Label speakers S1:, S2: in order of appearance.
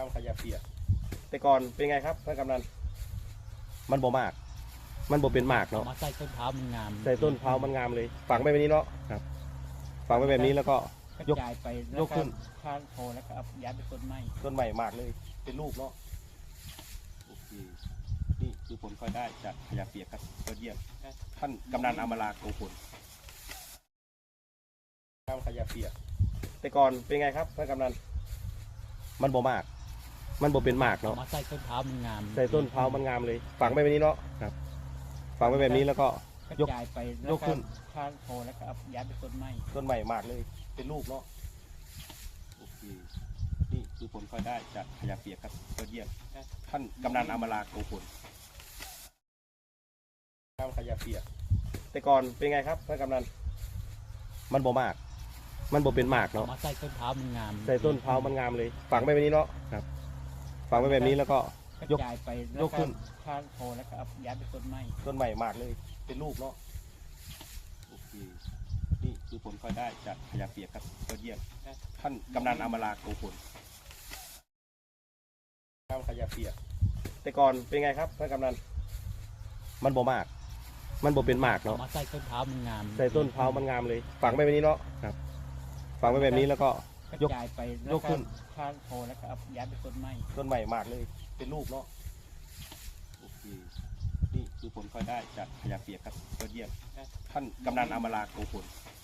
S1: ำขยะเปียกแต่ก่อนเป็นไงครับท่านกำนันมันบ่มากมันบ่เป็นมากเนาะ
S2: มาใส่ต้นเท้ามันงาม
S1: ใส่ต้นเท้ามันงามเลยฝังไปแบบนี้เนาะครับฝังไปแบบนี้แล้วก็
S2: กระ
S1: ยก
S2: จายไป
S1: ยกขึ้น
S2: ข้างโพแล้วก็เอาย้ายไปต้นไม้
S1: ต้นใหม่มากเลยเป็นลูกเนาะโอเคนี่คือผลพลอยได้จากขยะเปียกครับยอดเยี่ยมท่านกำนันอมราโกพลทำขยะเปียกแต่ก่อนเป็นไงครับท่านกำนันมันบ่มากมันบ่เป็นมากเนาะ
S2: มาใส่ต้นเท้ามันงาม
S1: ใส่ต้นเท้ามันงามเลยฝังไปแบบนี้เนาะครับฝังไปแบบนี้แล้วก็
S2: กระ
S1: ยก
S2: จายไป
S1: ยกขึ้น
S2: ข้างโพแล้วก็เอาย้ายไปต้นไม้
S1: ต้นใหม่มากเลยเป็นลูกเนาะโอเคนี่คือผลพลอยได้จากขยะเปียกครับยอดเยี่ยมท่านกำนันอมราโกพลทำขยะเปียกแต่ก่อนเป็นไงครับท่านกำนันมันบ่มากมันบ่เป็นมากเนาะ
S2: มาใส่ต้นเท้ามันงาม
S1: ใส่ต้นเท้ามันงามเลยฝังไปแบบนี้เนาะครับฝังไปแบบนี้แล้วก็
S2: กระ
S1: ยก
S2: จายไป
S1: ยกขึ้น
S2: ข้างโพแล้วก็เอาย้ายไปต้นไม้
S1: ต้นใหม่มากเลยเป็นลูกเนาะโอเคนี่คือผลพลอยได้จากขยะเปียกครับยอดเยี่ยมท่านกำนันอมราโกพลทำขยะเปียกแต่ก่อนเป็นไงครับท่านกำนันมันบ่มากมันบ่เป็นมากเนาะ
S2: มาใส่ต้นเท้ามันงาม
S1: ใส่ต้นเท้ามันงามเลยฝังไปแบบนี้เนาะครับฝังไปแบบนี้แล้วก็
S2: กระ
S1: ยก
S2: จายไป
S1: ยกขึ้น
S2: ข้างโพแล้วก็เอาย้ายไปต้นไม้
S1: ต้นใหม่มากเลยเป็นลูกเนาะโอเคนี่คือผลพลอยได้จากขยะเปียกครับยอดเยี่ยมท่านกำนันอมราโกพล